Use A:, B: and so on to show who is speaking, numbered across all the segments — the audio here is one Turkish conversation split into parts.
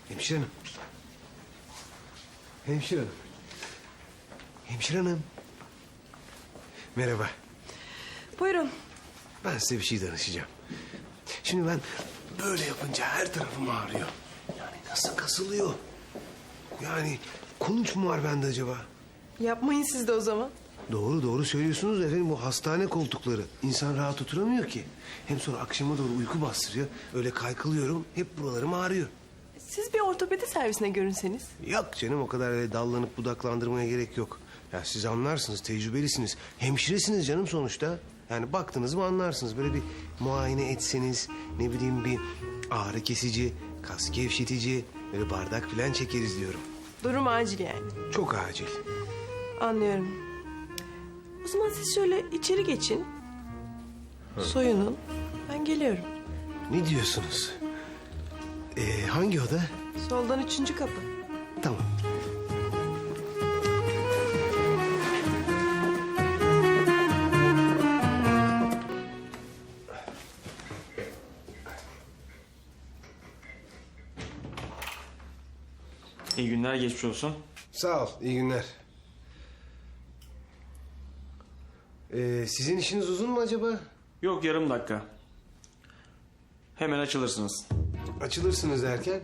A: Hemşire hanım. Hemşire hanım. Hemşire hanım. Merhaba.
B: Buyurun.
A: Ben size bir şey danışacağım. Şimdi ben böyle yapınca her tarafım ağrıyor. Yani nasıl kasılıyor? Yani kulunç mu var bende acaba?
B: Yapmayın siz de o zaman.
A: Doğru söylüyorsunuz efendim. Bu hastane koltukları. İnsan rahat oturamıyor ki. Hem sonra akşama doğru uyku bastırıyor. Öyle kaykılıyorum. Hep buralarım ağrıyor.
B: Siz bir ortopedi servisine görünseniz.
A: Yok canım, o kadar öyle dallanıp budaklandırmaya gerek yok. Ya siz anlarsınız, tecrübelisiniz. Hemşiresiniz canım sonuçta. Yani baktınız mı anlarsınız. Böyle bir muayene etseniz, ne bileyim bir ağrı kesici, kas gevşetici, böyle bardak falan çekeriz diyorum.
B: Durum acil yani.
A: Çok acil.
B: Anlıyorum. O zaman siz şöyle içeri geçin. Soyunun. Ben geliyorum.
A: Ne diyorsunuz? Hangi oda?
B: Soldan 3. kapı.
A: Tamam.
C: İyi günler, geçmiş olsun.
A: Sağ ol, iyi günler. Sizin işiniz uzun mu acaba?
C: Yok, yarım dakika. Hemen açılırsınız.
A: Açılırsınız derken?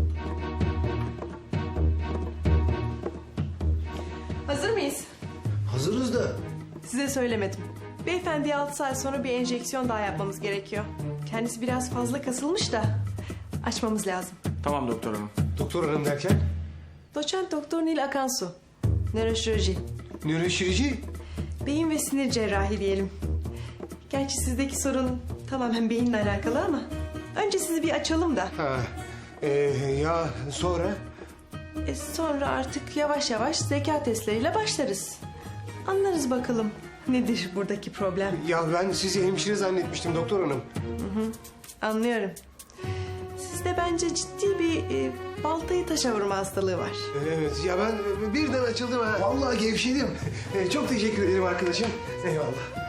B: Hazır mıyız?
A: Hazırız da.
B: Size söylemedim. Beyefendiye 6 saat sonra bir enjeksiyon daha yapmamız gerekiyor. Kendisi biraz fazla kasılmış da açmamız lazım.
C: Tamam doktor hanım.
A: Doktor hanım derken?
B: Doçent Doktor Nil Akansu. Nöroşirurji.
A: Nöroşirici.
B: Beyin ve sinir cerrahi diyelim. Gerçi sizdeki sorun tamamen beyinle alakalı ama... önce sizi bir açalım da.
A: Ha, ya sonra?
B: Sonra artık yavaş yavaş zeka testleriyle başlarız. Anlarız bakalım nedir buradaki problem.
A: Ya ben sizi hemşire zannetmiştim doktor hanım.
B: Anlıyorum. Sizde bence ciddi bir baltayı taşa vurma hastalığı var.
A: Evet ya, ben birden açıldım ha. Vallahi gevşedim. Çok teşekkür ederim arkadaşım. Eyvallah.